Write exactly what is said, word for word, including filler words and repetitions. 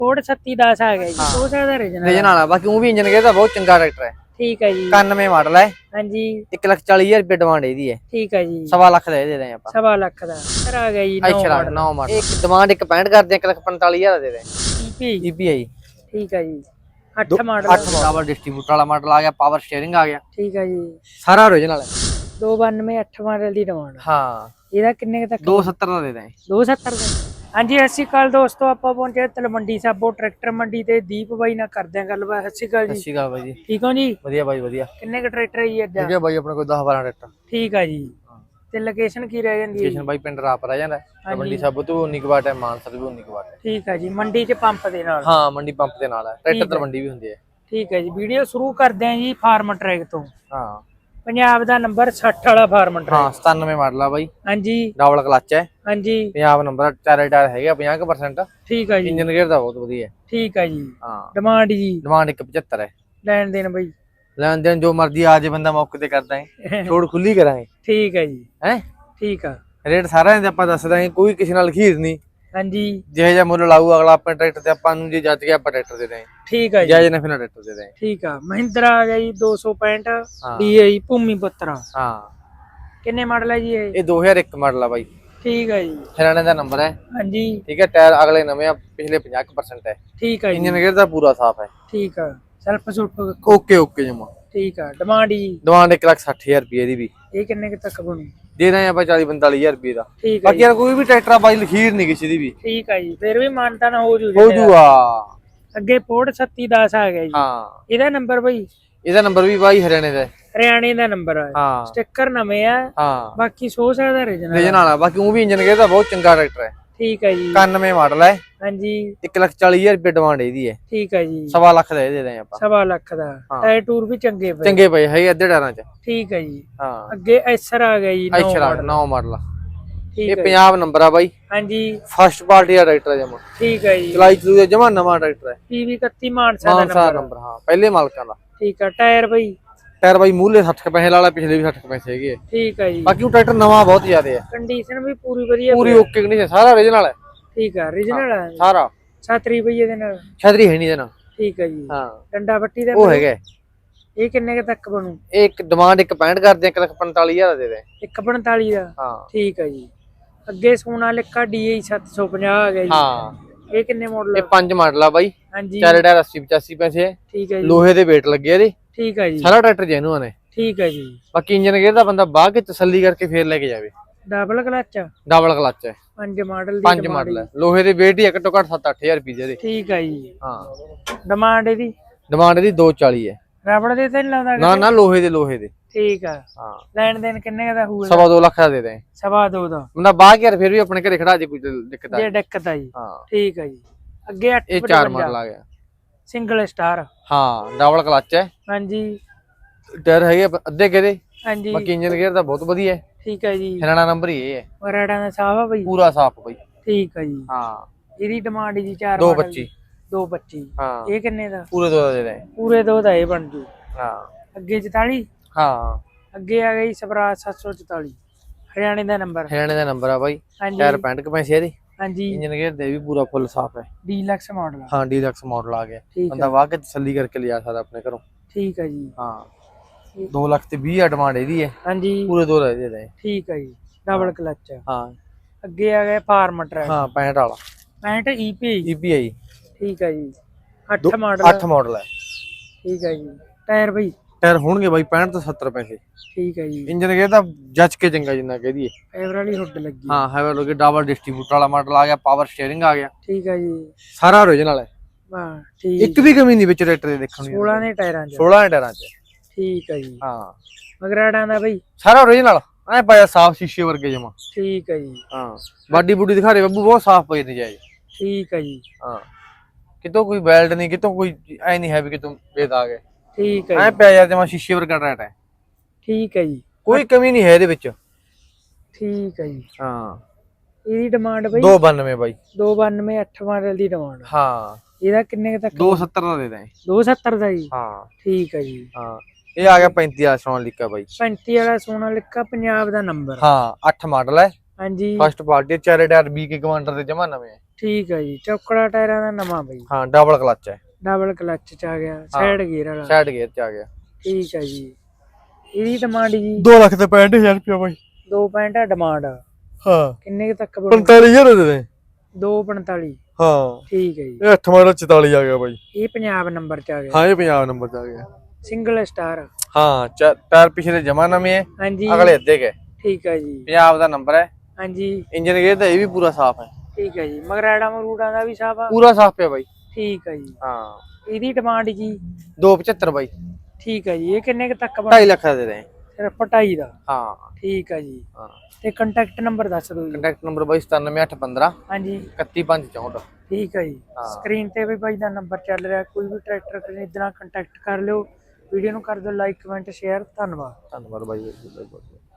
Code ਛੱਤੀ ਦਸ ਆ ਗਿਆ ਜੀ ਉਹ ਸਾਡਾ ਰੀਜਨਲ ਰੀਜਨਲ ਆ ਬਾਕੀ ਉਹ ਵੀ ਇੰਜਨ ਗੇਅਰ ਦਾ ਬਹੁਤ ਚੰਗਾ ਟਰੈਕਟਰ ਹੈ। ਠੀਕ ਹੈ ਜੀ ਇਕਾਨਵੇਂ ਮਾਡਲ ਹੈ। ਹਾਂਜੀ ਇੱਕ ਲੱਖ ਚਾਲੀ ਹਜ਼ਾਰ ਰੁਪਏ ਡਿਮਾਂਡ ਇਹਦੀ ਹੈ। ਠੀਕ ਹੈ ਜੀ ਸਵਾ ਲੱਖ ਦਾ ਦੇ ਦੇ ਆਪਾਂ ਸਵਾ ਲੱਖ ਦਾ ਸਰ ਆ ਗਿਆ ਜੀ ਅੱਛਾ ਨੌ ਮਾਡਲ ਇੱਕ ਡਿਮਾਂਡ ਇੱਕ ਪੈਂਹਠ ਕਰਦੇ ਇੱਕ ਲੱਖ ਪੰਤਾਲੀ ਹਜ਼ਾਰ ਦੇ ਦੇ ਈਪੀ ਈਪੀ ਹੈ ਜੀ। ਠੀਕ ਹੈ ਜੀ ਅੱਠ ਮਾਡਲ ਅੱਠ ਡਬਲ ਡਿਸਟ੍ਰੀਬਿਊਟਰ ਵਾਲਾ ਮਾਡਲ ਆ ਗਿਆ ਪਾਵਰ ਸਟੀਅਰਿੰਗ ਆ ਗਿਆ ਠੀਕ ਹੈ ਜੀ ਸਾਰਾ ਓਰੀਜਨਲ ਹੈ। ਦੋ ਬਾਨਵੇਂ ਅੱਠ ਮਾਡਲ ਦੀ ਡਿਮਾਂਡ ਹਾਂ ਇਹਦਾ ਕਿੰਨੇ ਤੱਕ ਦੋ ਸੱਤਰ ਦਾ ਦੇ ਦੇ ਦੋ ਸੱਤਰ ਦਾ ਹਾਂਜੀ ਸਤਿ ਸ਼੍ਰੀ ਅਕਾਲ ਦੋਸਤੋ ਆਪਾਂ ਪਹੁੰਚੇ ਤਲਵੰਡੀ ਸਾਬੋ ਟਰੈਕਟਰ ਮੰਡੀ ਤੇ ਦੀਪ ਬਾਈ ਨਾਲ ਕਰਦੇ ਆਂ ਗੱਲਬਾਤ। ਸਤਿ ਸ਼੍ਰੀ ਅਕਾਲ ਜੀ। ਸਤਿ ਸ਼੍ਰੀ ਅਕਾਲ ਬਾਈ ਜੀ ਠੀਕ ਹੋ ਜੀ ਵਧੀਆ ਬਾਈ ਵਧੀਆ ਕਿੰਨੇ ਕ ਟਰੈਕਟਰ ਹੈ ਜੀ ਅੱਜ ਠੀਕ ਹੈ ਬਾਈ ਆਪਣੇ ਕੋਲ ਦਸ ਬਾਰਾਂ ਟਰੈਕਟਰ ਠੀਕ ਆ ਜੀ ਤੇ ਲੋਕੇਸ਼ਨ ਕੀ ਰਹਿ ਜਾਂਦੀ ਹੈ ਲੋਕੇਸ਼ਨ ਬਾਈ ਪਿੰਡ ਰਾਪ ਰਹਿ ਜਾਂਦਾ ਤਲਵੰਡੀ ਸਾਬੋ ਤੋਂ ਉਨੀ ਕੁ ਵਾਟ ਹੈ ਮਾਨਸਾ ਤੋਂ ਉਨੀ ਕੁ ਵਾਟ ਹੈ ਠੀਕ ਆ ਜੀ ਮੰਡੀ ਚ ਪੰਪ ਦੇ ਨਾਲ ਹਾਂ ਮੰਡੀ ਪੰਪ ਦੇ ਨਾਲ ਹੈ ਟਰੈਕਟਰ ਤਲਵੰਡੀ ਵੀ ਹੁੰਦੀ ਹੈ। ਠੀਕ ਹੈ ਜੀ ਵੀਡੀਓ ਸ਼ੁਰੂ ਕਰਦੇ ਆਂ ਜੀ ਫਾਰਮ ਟਰੈਕ ਤੋਂ ਹਾਂ ਪੰਜਾਬ ਦਾ ਨੰਬਰ ਸੱਠ ਵਾਲਾ ਫਾਰਮ ਟਰੈਕ ਹਾਂ ਸਤਾਨਵੇਂ ਮਾਡਲ ਆ ਬਾਈ ਹਾਂਜੀ ਡਬਲ ਕਲਚ ਹੈ ਹਾਂਜੀ ਪੰਜਾਬ ਨੰਬਰ ਚਾਰੇ ਟਾਇਰ ਹੈਗੇ ਪੰਜਾਹ ਪਰਸੈਂਟ ਠੀਕ ਆ ਜੀ ਇੰਜਨ ਗੇਅਰ ਦਾ ਬਹੁਤ ਵਧੀਆ ਹੈ। ਠੀਕ ਆ ਜੀ ਹਾਂ ਡਿਮਾਂਡ ਜੀ ਡਿਮਾਂਡ ਇੱਕ ਪਚੱਤਰ ਹੈ। ਲੈਣ ਦੇਣ ਬਈ ਲੈਣ ਦੇਣ ਜੋ ਮਰਜ਼ੀ ਆ ਜੇ ਬੰਦਾ ਮੌਕੇ ਤੇ ਕਰਦਾ ਹੈ ਛੋੜ ਖੁੱਲੀ ਕਰਾਂਗੇ ਠੀਕ ਹੈ ਜੀ ਹੈ ਠੀਕ ਆ ਰੇਟ ਸਾਰਿਆਂ ਦੇ ਆਪਾਂ ਦੱਸ ਦਾਂਗੇ ਕੋਈ ਕਿਸੇ ਨਾਲ ਖੀਰ ਨਹੀਂ ਹਾਂਜੀ ਜਿਹੇ ਜਿਹਾ ਮੁੱਲ ਲਾਊ ਅਗਲਾ ਆਪਣੇ ਟਰੈਕਟਰ ਤੇ ਆਪਾਂ ਨੂੰ ਜੇ ਜੱਜ ਗਿਆ ਆਪਾਂ ਟਰੈਕਟਰ ਦੇ ਦਾਂਗੇ ਠੀਕ ਆ ਜੀ ਜਾਇਜ਼ ਨਾ ਫਿਰ ਟਰੈਕਟਰ ਦੇ ਦਾਂਗੇ ਠੀਕ ਆ ਮਹਿੰਦਰਾ ਆ ਗਿਆ ਜੀ ਦੋ ਸੌ ਪੈਂਹਠ ਹਾਂ। ਡੀਆਈ ਭੂਮੀ ਪੁੱਤਰਾ ਹਾਂ ਕਿੰਨੇ ਮਾਡਲ ਹੈ ਜੀ ਇਹ ਇਹ ਦੋ ਹਜ਼ਾਰ ਇੱਕ ਮਾਡਲ ਆ ਬਾਈ ਠੀਕ ਹੈ ਜੀ ਹਰਿਆਣੇ ਦਾ ਨੰਬਰ ਹੈ। ਹਾਂਜੀ ਠੀਕ ਹੈ ਟਾਇਰ ਅਗਲੇ ਨਵੇਂ ਆ ਪਿਛਲੇ ਪੰਜਾਹ ਪਰਸੈਂਟ ਹੈ। ਠੀਕ ਹੈ ਜੀ ਇੰਜਨ ਗੇਅਰ ਦਾ ਪੂਰਾ ਸਾਫ ਹੈ। ਠੀਕ ਆ ਸੈਲਫ ਸੁਲਫ ਓਕੇ ਓਕੇ ਜਮਾ ਠੀਕ ਆ ਡਿਮਾਂਡ ਜੀ ਡਿਮਾਂਡ ਇੱਕ ਲੱਖ ਸੱਠ ਹਜ਼ਾਰ ਰੁਪਏ ਦੀ ਵੀ ਇਹ ਕਿੰਨੇ ਕੁ ਤੱਕ ਬਣੂ ਦੇ ਦਾਂਗੇ ਆਪਾਂ ਚਾਲੀ ਪੰਤਾਲੀ ਹਜ਼ਾਰ ਰੁਪਏ ਦਾ। ਠੀਕ ਹੈ ਬਾਕੀ ਯਾਰ ਕੋਈ ਵੀ ਟਰੈਕਟਰ ਆ ਬਾਈ ਲਖੀਰ ਨਹੀਂ ਕਿਸੇ ਦੀ ਵੀ ਠੀਕ ਹੈ ਜੀ ਫਿਰ ਵੀ ਮਾਨਤਾ ਨਾ ਹੋ ਜੂ ਹੋ ਜੂਗਾ। ਅੱਗੇ ਪੋੜ ਛੱਤੀ ਦਸ ਆ ਗਿਆ ਜੀ ਹਾਂ ਇਹਦਾ ਨੰਬਰ ਬਈ ਇਹਦਾ ਨੰਬਰ ਵੀ ਬਾਈ ਹਰਿਆਣੇ ਦਾ ਹੈ। ਹਰਿਆਣੇ ਦਾ ਨੰਬਰ ਆ ਹਾਂ ਸਟicker ਨਵੇਂ ਆ ਹਾਂ ਬਾਕੀ ਸੌ ਦਾ ਰੀਜਨਲ ਰੀਜਨਲ ਆ ਬਾਕੀ ਉਹ ਵੀ ਇੰਜਨ ਗੇਅਰ ਦਾ ਬਹੁਤ ਚੰਗਾ ਟਰੈਕਟਰ ਹੈ। ਠੀਕ ਹੈ ਜੀ ਇਕਾਨਵੇਂ ਮਾਡਲ ਹੈ। ਹਾਂਜੀ ਇੱਕ ਲੱਖ ਚਾਲੀ ਹਜ਼ਾਰ ਰੁਪਏ ਡਿਮਾਂਡ ਇਹਦੀ ਹੈ। ਠੀਕ ਹੈ ਜੀ ਸਵਾ ਲੱਖ ਦਾ ਇਹ ਦੇ ਦਾਂਗੇ ਆਪਾਂ ਸਵਾ ਲੱਖ ਦਾ ਟਾਇਰ ਟੂਰ ਵੀ ਚੰਗੇ ਪਏ ਚੰਗੇ ਪਏ ਹੈਗੇ ਅੱਧੇ ਟਾਇਰਾਂ ਚ। ਠੀਕ ਹੈ ਜੀ ਹਾਂ ਅੱਗੇ ਐਸਰ ਆ ਗਿਆ ਜੀ ਨੌ ਅੱਛਾ ਮਾਡਲ ਨੌ ਮਾਡਲ ਠੀਕ ਇਹ ਹੈ ਪੰਜਾਬ ਨੰਬਰ ਆ ਬਾਈ ਹਾਂਜੀ ਫਸਟ ਪਾਰਟੀ ਦਾ ਟਰੈਕਟਰ ਜਮਾ ਠੀਕ ਹੈ ਜੀ ਚਲਾਈ ਚਲੂ ਜਮਾ ਨਵਾਂ ਟਰੈਕਟਰ ਹੈ। ਪੀਵੀ ਇਕੱਤੀ ਮਾਨਸਾ ਦਾ ਮਾਨਸਾ ਨੰਬਰ ਨੰਬਰ ਹਾਂ ਪਹਿਲੇ ਮਾਲਕਾਂ ਦਾ। ਠੀਕ ਹੈ ਟਾਇਰ ਬਈ ਟਾਇਰ ਬਾਈ ਮੂਹਰੇ ਸੱਠ ਪੈਸੇ ਵਾਲਾ ਪਿਛਲੇ ਵੀ ਸੱਠ ਪੈਸੇ ਹੈਗੇ। ਠੀਕ ਹੈ ਜੀ ਬਾਕੀ ਉਹ ਟਰੈਕਟਰ ਨਵਾਂ ਬਹੁਤ ਜ਼ਿਆਦਾ ਹੈ। ਕੰਡੀਸ਼ਨ ਵੀ ਪੂਰੀ ਵਧੀਆ ਪੂਰੀ ਓਕੇ ਕੰਡੀਸ਼ਨ ਸਾਰਾ ਓਰੀਜਨਲ ਹੈ। ਠੀਕ ਹੈ ਰੀਜਨਲ ਹੈ ਸਾਰਾ ਛਤਰੀ ਬਈ ਇਹਦੇ ਨਾਲ ਛਤਰੀ ਹੈ ਨਹੀਂ ਇਹਦੇ ਨਾਲ। ਠੀਕ ਹੈ ਜੀ ਹਾਂ ਡੰਡਾ ਪੱਟੀ ਦਾ ਉਹ ਹੈਗਾ ਇਹ ਕਿੰਨੇ ਕ ਤੱਕ ਬਣੂ ਇਹ ਇੱਕ ਡਿਮਾਂਡ ਇੱਕ ਪੈਂਹਠ ਕਰਦੇ ਇੱਕ ਲੱਖ ਪੰਤਾਲੀ ਹਜ਼ਾਰ ਦੇ ਦੇ ਇੱਕ ਪੰਤਾਲੀ ਦਾ ਹਾਂ ਠੀਕ ਹੈ ਜੀ ਅੱਗੇ ਸੋਨਾਲਿਕਾ ਡੀਆਈ ਸੱਤ ਸੌ ਪੰਜਾਹ ਆ ਗਿਆ ਜੀ ਹਾਂ ਇਹ ਕਿੰਨੇ ਮਾਡਲ ਇਹ ਪੰਜ ਮਾਡਲ ਆ ਬਾਈ ਹਾਂਜੀ ਚਾਰੇ ਟਾਇਰ ਅੱਸੀ ਪਚਾਸੀ ਪੈਸੇ ਹੈ। ਠੀਕ ਹੈ ਜੀ ਲੋਹੇ ਦੇ weight ਲੱਗੇ ਇਹਦੇ ਠੀਕ ਹੈ ਜੀ ਸਾਰਾ ਟਰੈਕਟਰ ਜੈਨੂਅਨ ਹੈ। ਠੀਕ ਹੈ ਜੀ ਬਾਕੀ ਇੰਜਨ ਗੇਅਰ ਦਾ ਬੰਦਾ ਬਾਹ ਕੇ ਤਸੱਲੀ ਕਰਕੇ ਫੇਰ ਲੈ ਕੇ ਜਾਵੇ। ਡਬਲ ਕਲਚ ਡਬਲ ਕਲਚ ਹੈ ਪੰਜ ਮਾਡਲ ਦੀ ਪੰਜ ਮਾਡਲ ਹੈ ਲੋਹੇ ਦੇ weight ਹੀ ਘੱਟੋ ਘੱਟ ਸੱਤ ਅੱਠ ਹਜ਼ਾਰ ਰੁਪਏ ਦੇ। ਠੀਕ ਹੈ ਜੀ ਹਾਂ ਡਿਮਾਂਡ ਇਹਦੀ ਡਿਮਾਂਡ ਇਹਦੀ ਦੋ ਚਾਲੀ ਹੈ। ਰਬੜ ਦੇ ਤਾਂ ਨਹੀਂ ਲਾਉਂਦਾ ਨਾ ਨਾ ਲੋਹੇ ਦੇ ਲੋਹੇ ਦੇ। ਠੀਕ ਆ ਹਾਂ ਲੈਣ ਦੇਣ ਕਿੰਨੇ ਦਾ ਹੋਊਗਾ ਸਵਾ ਦੋ ਲੱਖ ਦਾ ਦੇ ਦੇ ਸਵਾ ਦੋ ਦਾ ਬੰਦਾ ਬਾਹ ਕੇ ਯਾਰ ਫਿਰ ਵੀ ਆਪਣੇ ਘਰੇ ਖੜਾ ਜੇ ਕੋਈ ਦਿੱਕਤ ਆ ਜੇ ਦਿੱਕਤ ਆ ਜੀ ਹਾਂ ਠੀਕ ਆ ਜੀ ਅੱਗੇ ਅੱਠ ਇਹ ਚਾਰ ਮਾਡਲ ਆ ਗਿਆ ਸਿੰਗਲ ਸਟਾਰ ਹਾਂ ਡਬਲ ਕਲਚ ਹੈ। ਹਾਂਜੀ ਟਾਇਰ ਹੈਗੇ ਅੱਧੇ ਕਿਹਦੇ ਹਾਂਜੀ ਬਾਕੀ ਇੰਜਨ ਗੇਅਰ ਦਾ ਬਹੁਤ ਵਧੀਆ ਹੈ। ਠੀਕ ਹੈ ਜੀ ਹਰਿਆਣਾ ਨੰਬਰ ਹੀ ਇਹ ਹੈ ਵਰਾੜਾ ਦਾ ਸਾਫ ਆ ਬਈ ਪੂਰਾ ਸਾਫ ਬਈ। ਠੀਕ ਹੈ ਜੀ ਹਾਂ ਇਹਦੀ ਡਿਮਾਂਡ ਜੀ ਚਾਰ ਦੋ ਮਾਡਲ ਪੱਚੀ ਦੋ ਪੱਚੀ ਹਾਂ ਇਹ ਕਿੰਨੇ ਦਾ ਪੂਰੇ ਦੋ ਦਾ ਦੇ ਦੇ ਪੂਰੇ ਦੋ ਦਾ ਇਹ ਬਣ ਜੂ ਹਾਂ ਅੱਗੇ ਚੁਤਾਲੀ ਹਾਂ ਅੱਗੇ ਆ ਗਈ ਸਵਰਾਜ ਸੱਤ ਸੌ ਚੁਤਾਲੀ ਹਰਿਆਣੇ ਦਾ ਨੰਬਰ ਹਰਿਆਣੇ ਦਾ ਨੰਬਰ ਆ ਬਾਈ ਹਾਂਜੀ ਟਾਇਰ ਪੈਂਹਠ ਕੁ ਪੈਸੇ ਇਹਦੇ ਹਾਂਜੀ ਇੰਜਨ ਗੇਅਰ ਦੇ ਵੀ ਪੂਰਾ ਫੁੱਲ ਸਾਫ ਹੈ। ਡੀਲਕਸ ਮਾਡਲ ਹਾਂ ਡੀਲਕਸ ਮਾਡਲ ਆ ਗਿਆ ਠੀਕ ਬੰਦਾ ਵਾਹ ਕੇ ਤਸੱਲੀ ਕਰਕੇ ਲਿਜਾ ਸਕਦਾ ਆਪਣੇ ਘਰੋਂ। ਠੀਕ ਹੈ ਜੀ ਹਾਂ ਦੋ ਲੱਖ ਤੇ ਵੀਹ ਡਿਮਾਂਡ ਇਹਦੀ ਹੈ ਹਾਂਜੀ ਪੂਰੇ ਦੋ ਦਾ ਦੇ ਦੇ ਠੀਕ ਹੈ ਜੀ ਡਬਲ ਕਲਚ ਹਾਂ ਅੱਗੇ ਆ ਗਿਆ ਫਾਰਮ ਟਰੈਕ ਹਾਂ ਪੈਂਹਠ ਵਾਲਾ ਪੈਂਹਠ ਈਪੀ ਈਪੀਆਈ ਠੀਕ ਹੈ ਜੀ ਅੱਠ ਮਾਡਲ ਅੱਠ ਮਾਡਲ ਹੈ। ਠੀਕ ਹੈ ਜੀ ਟਾਇਰ ਬਈ ਟਾਇਰ ਹੋਣਗੇ ਬਾਈ ਪੈਂਹਠ ਤੋਂ ਸੱਤਰ ਪੈਸੇ। ਠੀਕ ਹੈ ਜੀ ਇੰਜਨ ਗੇਅਰ ਦਾ ਜੱਜ ਕੇ ਚੰਗਾ ਜਿੰਨਾ ਕਹਿ ਦਈਏ। ਫਾਈਬਰ ਵਾਲੀ ਹੁੱਡ ਲੱਗੀ ਹਾਂ ਹੈਵਲ ਹੋ ਗਿਆ ਡਬਲ ਡਿਸਟ੍ਰੀਬਿਊਟਰ ਵਾਲਾ ਮਾਡਲ ਆ ਗਿਆ ਪਾਵਰ ਸਟੀਅਰਿੰਗ ਆ ਗਿਆ ਠੀਕ ਹੈ ਜੀ ਸਾਰਾ ਓਰੀਜਨਲ ਹੈ। ਵਾਹ ਠੀਕ ਇੱਕ ਵੀ ਕਮੀ ਨਹੀਂ ਵਿੱਚ ਟਰੈਕਟਰ ਦੇ ਦੇਖਣ ਨੂੰ। ਸੋਲਾਂ ਦੇ ਟਾਇਰਾਂ 'ਚ ਸੋਲਾਂ ਟਾਇਰਾਂ 'ਚ ਠੀਕ ਹੈ ਜੀ ਹਾਂ ਮਗਰਾੜਾਂ ਦਾ ਬਈ ਸਾਰਾ ਓਰੀਜਨਲ ਐ ਪਾਇਆ ਸਾਫ ਸ਼ੀਸ਼ੇ ਵਰਗੇ ਜਮਾ। ਠੀਕ ਹੈ ਜੀ ਹਾਂ ਬਾਡੀ ਬੂਡੀ ਦਿਖਾ ਰਹੇ ਬੱਬੂ ਬਹੁਤ ਸਾਫ ਪਈ ਨਜਾਇਜ਼। ਠੀਕ ਹੈ ਜੀ ਹਾਂ ਕਿਤੋਂ ਕੋਈ ਬੈਲਟ ਨਹੀਂ ਕਿਤੋਂ ਕੋਈ ਐ ਨਹੀਂ ਹੈ ਵੀ ਕਿਤੋਂ ਬੇਦਾਗ ਹੈ। ਠੀਕ ਹੈ ਐ ਪਿਆ ਯਾਰ ਜਮਾ ਸ਼ੀਸ਼ੇ ਵਰਗਾ ਟਰੈਕਟਰ ਹੈ। ਠੀਕ ਹੈ ਜੀ ਕੋਈ ਕਮੀ ਨਹੀਂ ਹੈ ਇਹਦੇ ਵਿੱਚ। ਠੀਕ ਹੈ ਜੀ ਹਾਂ ਇਹਦੀ ਡਿਮਾਂਡ ਬਈ ਦੋ ਬਾਨਵੇਂ ਬਾਈ ਦੋ ਬਾਨਵੇਂ ਅੱਠ ਮਾਡਲ ਦੀ ਡਿਮਾਂਡ ਹਾਂ ਇਹਦਾ ਕਿੰਨੇ ਤੱਕ ਦੋ ਸੱਤਰ ਦਾ ਦੇ ਦੇ ਦੋ ਸੱਤਰ ਦਾ ਜੀ ਹਾਂ ਠੀਕ ਹੈ ਜੀ ਹਾਂ ਇਹ ਆ ਗਿਆ ਪੈਂਤੀ ਵਾਲਾ ਸੋਨਾਲੀਕਾ ਬਾਈ ਪੈਂਤੀ ਵਾਲਾ ਸੋਨਾਲਿਕਾ ਪੰਜਾਬ ਦਾ ਨੰਬਰ ਹਾਂ ਅੱਠ ਮਾਡਲ ਹੈ ਹਾਂਜੀ ਫਸਟ ਪਾਰਟੀ ਚਾਰੇ ਟਾਇਰ ਵੀਹ ਕੇ ਕਮਾਂਡਰ ਦੇ ਜਮਾ ਨਵੇਂ ਆ। ਠੀਕ ਹੈ ਜੀ ਚੌਕੜਾ ਟਾਇਰਾਂ ਦਾ ਨਵਾਂ ਬਈ ਹਾਂ ਡਬਲ ਕਲਚ ਹੈ ਡਬਲ ਕਲਚ ਚ ਆ ਗਿਆ ਸਾਈਡ ਗੇਅਰ ਵਾਲਾ ਸਾਈਡ ਗੇਅਰ ਚ ਆ ਗਿਆ। ਠੀਕ ਹੈ ਜੀ ਇਹਦੀ ਡਿਮਾਂਡ ਜੀ ਦੋ ਲੱਖ ਤੇ ਪੈਂਹਠ ਹਜ਼ਾਰ ਰੁਪਇਆ ਬਾਈ। ਦੋ ਪੈਂਹਠ ਆ ਡਿਮਾਂਡ ਹਾਂ ਕਿੰਨੇ ਕੁ ਤੱਕ ਬਣੂ ਪੰਤਾਲੀ ਹਜ਼ਾਰ ਦੇ ਦੇ। ਦੋ ਪੰਤਾਲੀ ਹਾਂ ਠੀਕ ਹੈ ਜੀ ਇਹ ਅੱਠ ਮਾਡਲ ਚੁਤਾਲੀ ਆ ਗਿਆ ਬਾਈ। ਇਹ ਪੰਜਾਬ ਨੰਬਰ ਚ ਆ ਗਿਆ ਹਾਂ ਇਹ ਪੰਜਾਬ ਨੰਬਰ ਚ ਆ ਗਿਆ ਸਿੰਗਲ ਸਟਾਰ ਹਾਂ ਚਾ- ਟਾਇਰ ਪਿਛਲੇ ਜਮਾ ਨਵੇਂ ਹੈ ਹਾਂਜੀ ਅਗਲੇ ਅੱਧੇ ਕੇ ਠੀਕ ਹੈ ਜੀ ਪੰਜਾਬ ਦਾ ਨੰਬਰ ਹੈ। ਹਾਂਜੀ ਇੰਜਨ ਗੇਅਰ ਤਾਂ ਇਹ ਵੀ ਪੂਰਾ ਸਾਫ਼ ਹੈ। ਠੀਕ ਹੈ ਜੀ ਮਗਰਾੜਾ ਮਰੂੜਾ ਦਾ ਵੀ ਸਾਫ ਆ ਪੂਰਾ ਸਾਫ਼ ਪਿਆ ਬਾਈ। ਠੀਕ ਹੈ ਜੀ ਹਾਂ ਇਹਦੀ ਡਿਮਾਂਡ ਜੀ ਦੋ ਪਚੱਤਰ ਬਾਈ। ਠੀਕ ਹੈ ਜੀ ਇਹ ਕਿੰਨੇ ਕੁ ਤੱਕ ਢਾਈ ਲੱਖ ਦਾ ਦੇ ਦੇ। ਸਿਰਫ ਢਾਈ ਦਾ ਹਾਂ ਠੀਕ ਹੈ ਜੀ ਹਾਂ ਤੇ ਕੰਟੈਕਟ ਨੰਬਰ ਦੱਸ ਦਿਓ ਜੀ ਕੰਟੈਕਟ ਨੰਬਰ ਬਾਈ ਸਤਾਨਵੇਂ ਅੱਠ ਪੰਦਰਾਂ ਹਾਂਜੀ ਇਕੱਤੀ ਪੰਜ ਚੌਂਹਠ। ਠੀਕ ਹੈ ਜੀ ਹਾਂ। ਸਕਰੀਨ ਤੇ ਵੀ ਬਾਈ ਦਾ ਨੰਬਰ ਚੱਲ ਰਿਹਾ ਕੋਈ ਵੀ ਟਰੈਕਟਰ ਖਰੀਦਣਾ ਕੰਟੈਕਟ ਕਰ ਲਿਓ ਵੀਡੀਓ ਨੂੰ ਕਰ ਦਿਓ ਲਾਈਕ ਕਮੈਂਟ ਸ਼ੇਅਰ ਧੰਨਵਾਦ ਧੰਨਵਾਦ ਬਾਈ।